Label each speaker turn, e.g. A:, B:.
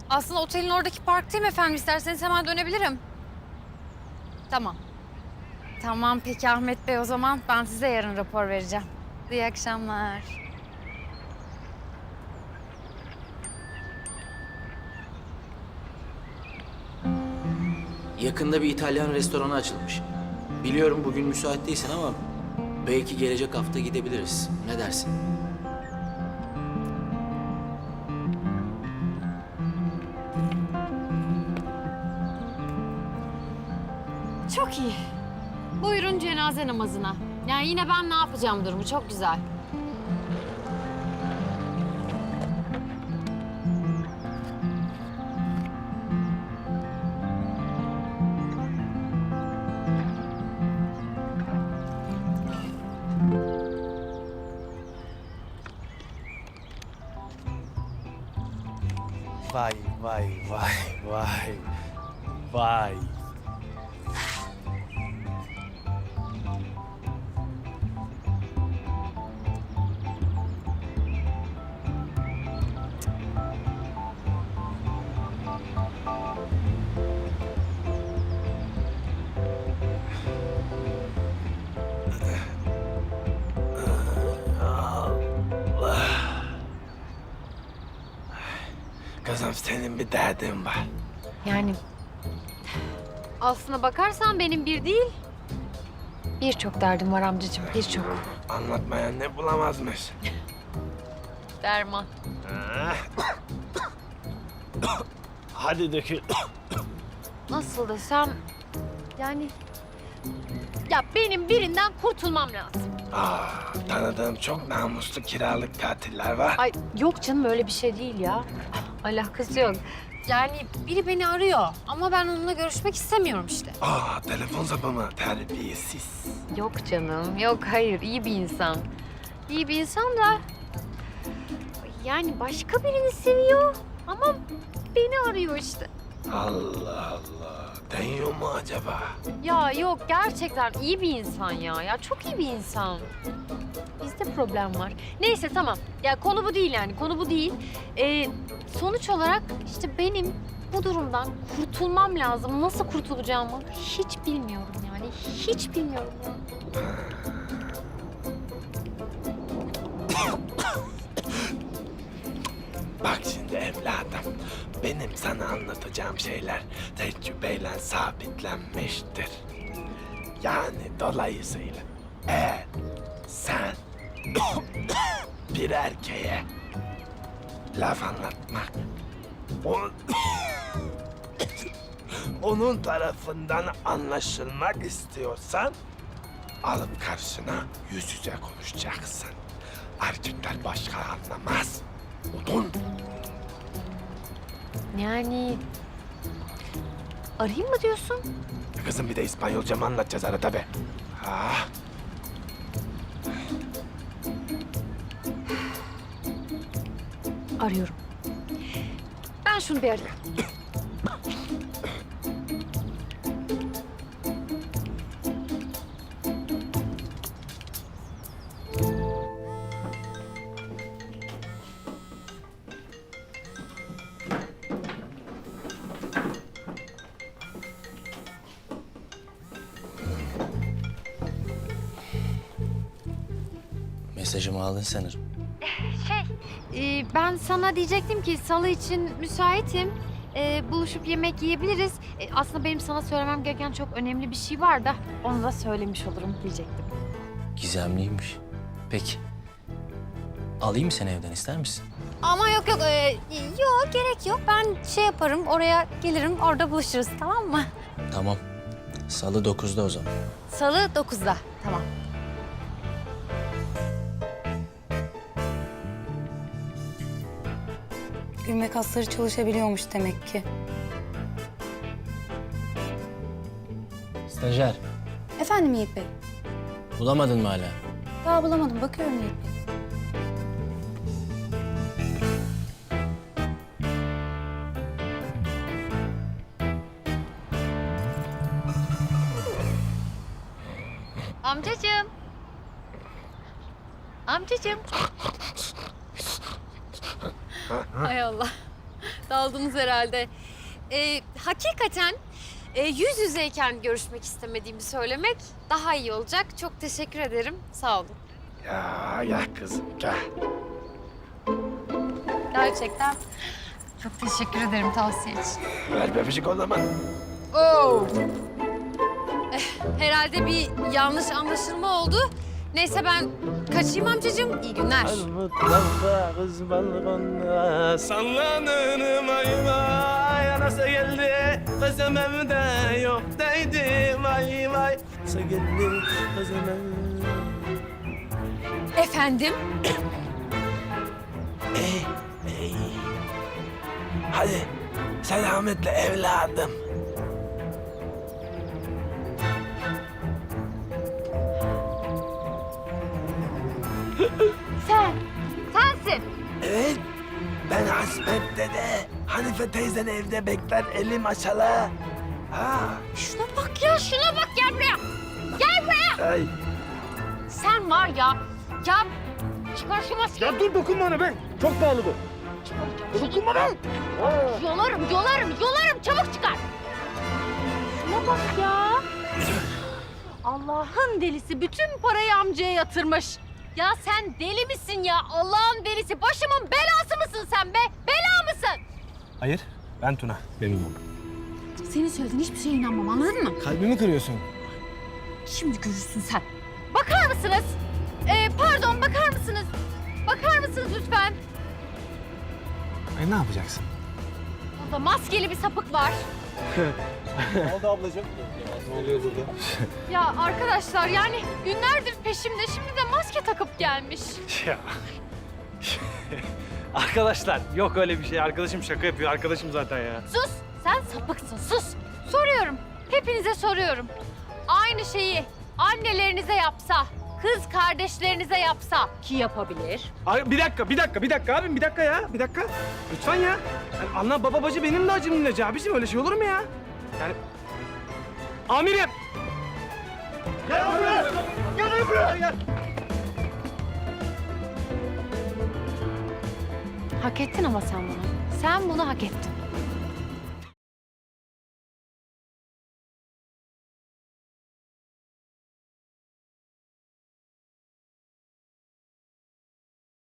A: Aslında otelin oradaki parktayım efendim. İsterseniz hemen dönebilirim. Tamam. Tamam peki Ahmet Bey, o zaman ben size yarın rapor vereceğim. İyi akşamlar.
B: Yakında bir İtalyan restoranı açılmış. Biliyorum bugün müsait değilsin ama belki gelecek hafta gidebiliriz. Ne dersin?
A: Çok iyi. Buyurun cenaze namazına. Yani yine ben ne yapacağım durumu çok güzel.
C: Vay vay vay vay vay. Kızım senin bir derdin var.
A: Yani aslına bakarsan benim bir değil, birçok derdim var amcacığım, birçok.
C: Anlatmayan ne bulamazmış.
A: Derman.
C: Hadi dökül.
A: Nasıl desem, yani... Ya benim birinden kurtulmam lazım.
C: Tanıdığım çok namuslu kiralık katiller var.
A: Ay yok canım, öyle bir şey değil ya. Alakası yok. Yani biri beni arıyor ama ben onunla görüşmek istemiyorum işte.
C: Telefon sapı mı? Terbiyesiz.
A: Yok canım, yok hayır. İyi bir insan. İyi bir insan da... Yani başka birini seviyor ama beni arıyor işte.
C: Allah Allah. Deniyor mu acaba?
A: Ya yok, gerçekten iyi bir insan ya. Ya çok iyi bir insan. Bizde problem var. Neyse tamam. Ya konu bu değil yani. Konu bu değil. Sonuç olarak işte benim bu durumdan kurtulmam lazım. Nasıl kurtulacağımı hiç bilmiyorum yani. Hiç bilmiyorum ya.
C: Bak şimdi evladım, benim sana anlatacağım şeyler tecrübeyle sabitlenmiştir. Yani dolayısıyla eğer sen bir erkeğe laf anlatmak, onun tarafından anlaşılmak istiyorsan alıp karşına yüz yüze konuşacaksın. Erkekler başka anlamaz. Odun.
A: Yani arayayım mı diyorsun?
C: Kızım bir de İspanyolca mı anlatacağız arada be?
A: Arıyorum. Ben şunu bir arayayım.
B: Mesajımı aldın sanırım.
A: Ben sana diyecektim ki salı için müsaitim. Buluşup yemek yiyebiliriz. Aslında benim sana söylemem gereken çok önemli bir şey var da onu da söylemiş olurum diyecektim.
B: Gizemliymiş. Peki. Alayım mı seni evden, ister misin?
A: Ama yok yok, yok gerek yok. Ben şey yaparım, oraya gelirim, orada buluşuruz, tamam mı?
B: Tamam. Salı 9'da o zaman.
A: Salı 9'da, tamam.
D: Gülme kasları çalışabiliyormuş demek ki.
B: Stajyer.
D: Efendim Yiğit Bey?
B: Bulamadın mı hala?
D: Daha bulamadım. Bakıyorum Yiğit Bey.
A: Amcacığım. Amcacığım. Hay Allah. Daldınız herhalde. Hakikaten yüz yüzeyken görüşmek istemediğimi söylemek daha iyi olacak. Çok teşekkür ederim. Sağ olun.
C: Ya gel kızım gel.
A: Gerçekten çok teşekkür ederim tavsiye için.
C: Ver bebecik o zaman.
A: Oo. Herhalde bir yanlış anlaşılma oldu. Neyse ben kaçayım amcacığım. İyi günler.
C: Mutfakta kız balkonda sallanırım ay vay. Anası geldi kızım evde yok deydi vay vay. Anası geldi kızım evde.
A: Efendim?
C: Hadi selametle evladım.
A: Sensin.
C: Evet, ben Hasmet dede. Hanife teyzen evde bekler, elim aşalı. Ha,
A: Şuna bak ya, şuna bak. Gel buraya. Gel buraya.
C: ay.
A: Sen var ya. Ya çıkar şu maskeyi.
C: Ya dur dokunma ona be. Çok pahalı bu. Dokunma be.
A: Yolarım. Çabuk çıkar. Şuna bak ya. Allah'ın delisi bütün parayı amcaya yatırmış. Ya sen deli misin ya? Allah'ın delisi. Başımın belası mısın sen be? Bela mısın?
C: Hayır, ben Tuna. Benim oğlum.
A: Senin söylediğin hiçbir şeye inanmam, anladın mı?
C: Kalbimi kırıyorsun.
A: Şimdi görürsün sen. Bakar mısınız? Pardon, bakar mısınız? Bakar mısınız lütfen?
C: Ne yapacaksın?
A: Burada maskeli bir sapık var.
C: Ne oldu ablacığım? Ne oluyor burada?
A: Ya arkadaşlar yani günlerdir peşimde. Şimdi de maske takıp gelmiş.
E: Ya. Arkadaşlar yok öyle bir şey. Arkadaşım şaka yapıyor. Arkadaşım zaten ya.
A: Sus! Sen sapıksın, sus! Soruyorum, hepinize soruyorum. Aynı şeyi annelerinize yapsa, kız kardeşlerinize yapsa ki yapabilir.
E: Bir dakika abim bir dakika ya. Bir dakika. Lütfen ya. Yani ana baba bacı benim de acımın ilacı abiciğim. Öyle şey olur mu ya? Yani... Amirim! Gel buraya! Gel buraya! Gel.
A: Hak ettin ama sen bunu. Sen bunu hak ettin.